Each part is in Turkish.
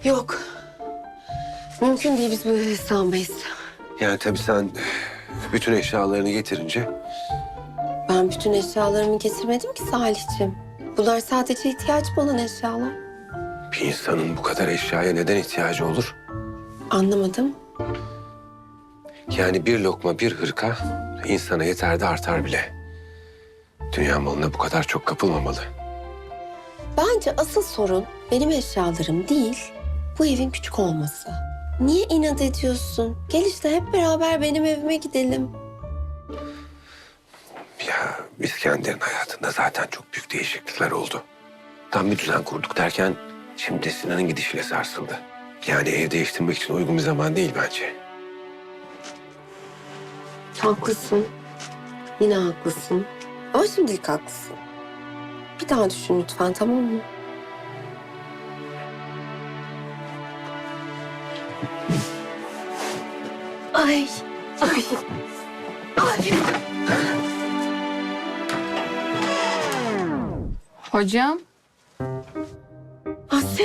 Yok. Mümkün değil, biz böyle sağlamayız. Yani tabii sen bütün eşyalarını getirince... Ben bütün eşyalarımı getirmedim ki Salihciğim. Bunlar sadece ihtiyacım olan eşyalar. Bir insanın bu kadar eşyaya neden ihtiyacı olur? Anlamadım. Yani bir lokma, bir hırka insana yeter de artar bile. Dünya malına bu kadar çok kapılmamalı. Bence asıl sorun benim eşyalarım değil, bu evin küçük olması. Niye inat ediyorsun? Gel işte hep beraber benim evime gidelim. Ya İskender'in hayatında zaten çok büyük değişiklikler oldu. Tam bir düzen kurduk derken şimdi Sinan'ın gidişiyle sarsıldı. Yani ev değiştirmek için uygun bir zaman değil bence. Haklısın. Yine haklısın. Ama şimdilik haklısın. Bir daha düşün lütfen, tamam mı? Ay, ay, ay. Hocam, Asya.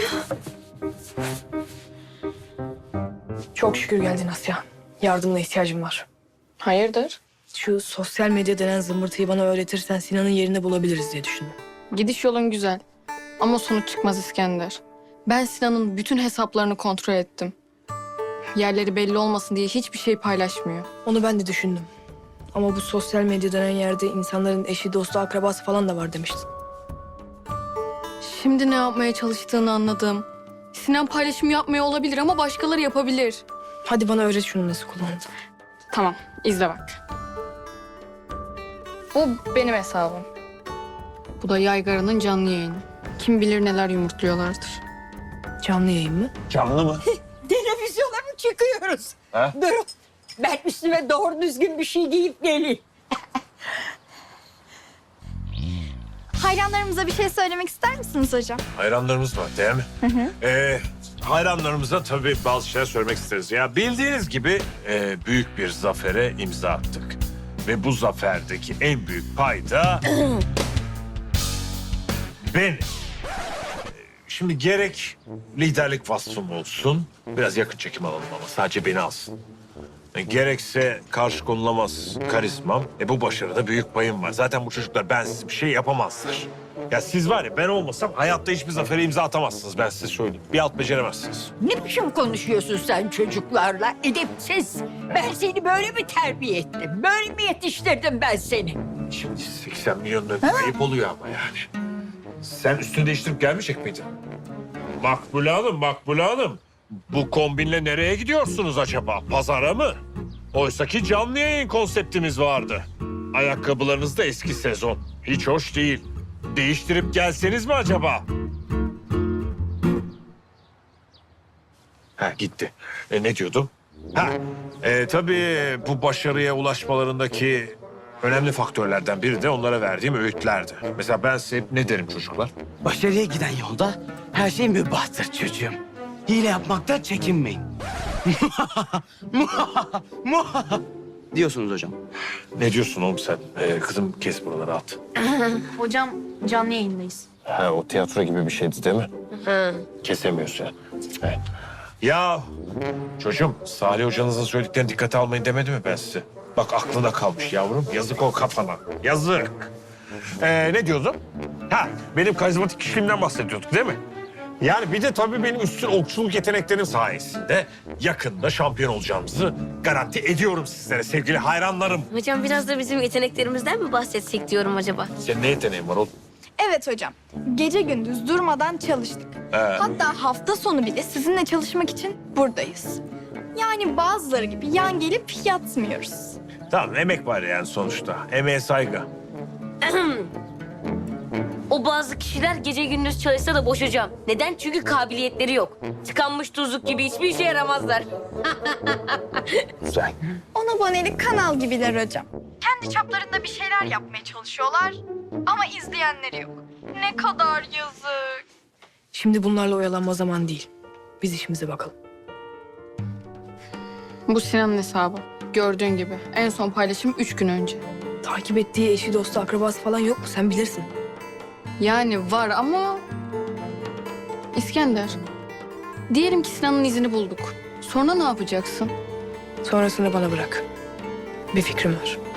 Çok şükür geldin Asya. Yardımına ihtiyacım var. hayırdır? Şu sosyal medya denen zımbırtıyı bana öğretirsen Sinan'ın yerini bulabiliriz diye düşündüm. Gidiş yolun güzel. Ama sonuç çıkmaz İskender. Ben Sinan'ın bütün hesaplarını kontrol ettim. Yerleri belli olmasın diye hiçbir şey paylaşmıyor. Onu ben de düşündüm. Ama bu sosyal medya denen yerde insanların eşi, dostu, akrabası falan da var demiştin. Şimdi ne yapmaya çalıştığını anladım. Sinan paylaşım yapmıyor olabilir ama başkaları yapabilir. Hadi bana öğret şunu nasıl kullanılır. Tamam, izle bak. Bu benim hesabım. Bu da Yaygara'nın canlı yayını. Kim bilir neler yumurtluyorlardır. Canlı yayın mı? Canlı mı? Televizyona mı çıkıyoruz? Ha? Dur. Ben üstüme doğru düzgün bir şey giyip geleyim. Hayranlarımıza bir şey söylemek ister misiniz hocam? Hayranlarımız var değil mi? Hayranlarımıza tabii bazı şeyler söylemek isteriz. Ya bildiğiniz gibi büyük bir zafere imza attık. Ve bu zaferdeki en büyük payda benim. Şimdi gerek liderlik vasfım olsun, biraz yakın çekim alalım ama sadece beni alsın. Gerekse karşı konulamaz karizmam. Bu başarıda büyük payım var. Zaten bu çocuklar bensiz bir şey yapamazlar. Ya siz var ya ben olmasam hayatta hiçbir zafere imza atamazsınız, ben size söyleyeyim. Bir alt beceremezsiniz. Ne biçim konuşuyorsun sen çocuklarla? Edepsiz. Ben seni böyle mi terbiye ettim? Böyle mi yetiştirdim ben seni? Şimdi 80 milyon lira ayıp oluyor ama yani. Sen üstünü değiştirip gelmeyecek miydin? Makbule Hanım, Makbule Hanım. Bu kombinle nereye gidiyorsunuz acaba? Pazara mı? Oysaki canlı yayın konseptimiz vardı. Ayakkabılarınız da eski sezon. Hiç hoş değil. Değiştirip gelseniz mi acaba? Ha gitti. Ne diyordum? Tabii bu başarıya ulaşmalarındaki önemli faktörlerden biri de onlara verdiğim öğütlerdi. Mesela ben size hep ne derim çocuklar? Başarıya giden yolda her şey mübahtır çocuğum. Hile yapmaktan çekinmeyin. diyorsunuz hocam. Ne diyorsun oğlum sen? Kızım kes buraları at. Hocam canlı yayındayız. Ha, o tiyatro gibi bir şeydi değil mi? Kesemiyorsun yani. Evet. Ya çocuğum, Salih hocanızın söylediklerini dikkate almayın demedi mi ben size? Bak aklına kalmış yavrum. Yazık o kafana. Yazık. Ne diyordum? Benim karizmatik kişiliğimden bahsediyorduk değil mi? Yani bir de tabii benim üstün okçuluk yeteneklerim sayesinde yakında şampiyon olacağımızı garanti ediyorum sizlere sevgili hayranlarım. Hocam biraz da bizim yeteneklerimizden mi bahsetsek diyorum acaba? Senin ne yeteneğin var oğlum? Evet hocam. Gece gündüz durmadan çalıştık. Hatta hafta sonu bile sizinle çalışmak için buradayız. Yani bazıları gibi yan gelip yatmıyoruz. Tamam, emek var yani sonuçta. Emeğe saygı. O bazı kişiler gece gündüz çalışsa da boş hocam. Neden? Çünkü kabiliyetleri yok. Tıkanmış tuzluk gibi hiçbir işe yaramazlar. Güzel. On abonelik kanal gibiler hocam. Kendi çaplarında bir şeyler yapmaya çalışıyorlar ama izleyenleri yok. Ne kadar yazık. Şimdi bunlarla oyalanma zaman değil. Biz işimize bakalım. Bu Sinan'ın hesabı. Gördüğün gibi. En son paylaşım 3 gün önce. Takip ettiği eşi, dostu, akrabası falan yok mu? Sen bilirsin. Yani var ama... İskender, Diyelim ki Sinan'ın izini bulduk. Sonra ne yapacaksın? Sonrasını bana bırak. Bir fikrim var.